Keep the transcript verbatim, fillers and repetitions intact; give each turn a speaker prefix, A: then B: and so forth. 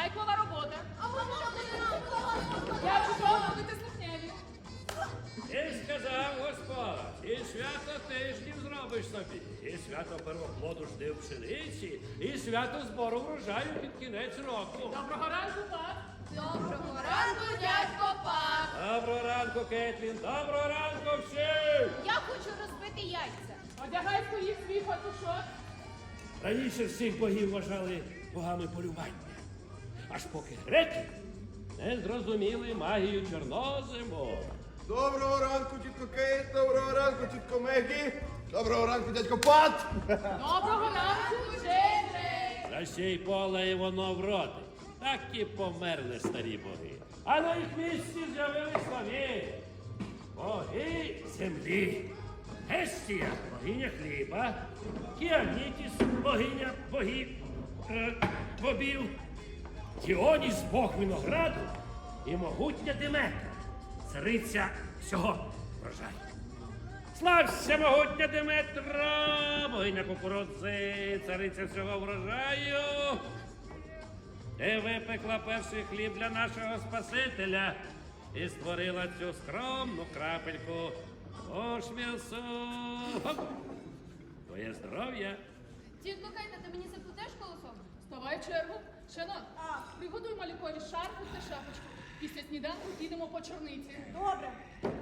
A: Майклова робота.
B: А можна робити ранкова робота?
A: Я чого будете слухняні?
C: І сказав Господь, і свято тижнів зробиш собі, і свято первоплоду жди в пшениці, і свято збору врожаю під кінець року.
A: Доброго ранку, пап.
B: Доброго ранку, дядько Пак.
C: Доброго ранку, Кетлін, доброго ранку всім!
B: Я хочу розбити яйця.
A: Одягай своїх свій фатушок.
C: Раніше всіх богів вважали богами полювання, аж поки греки не зрозуміли магію чорнозиму.
D: Доброго ранку, тітко Кейт, доброго ранку, тітко Мегі, доброго ранку, дядько Пат.
A: Доброго ранку, Джейджей.
C: Засій поле і воно вродить. Так і померли старі боги. А на їх місці з'явились нові. Боги землі. Гестія – богиня хліба. Кіанітіс – богиня богів, е, бобів. Діоніс – бог винограду. І могутня Деметра – цариця всього врожаю. Слався, могутня Деметра, богиня кукурудзи, цариця всього врожаю. Ти випекла перший хліб для нашого Спасителя і створила цю скромну крапельку. Ож м'ясо. Хоп. Твоє здоров'я.
B: Тітко Кейта, ти мені заплетеш колосом?
A: Ставай в чергу. Шанон, приготуй малюкові шарфу та шапочку. Після сніданку підемо по чорниці.
E: Добре.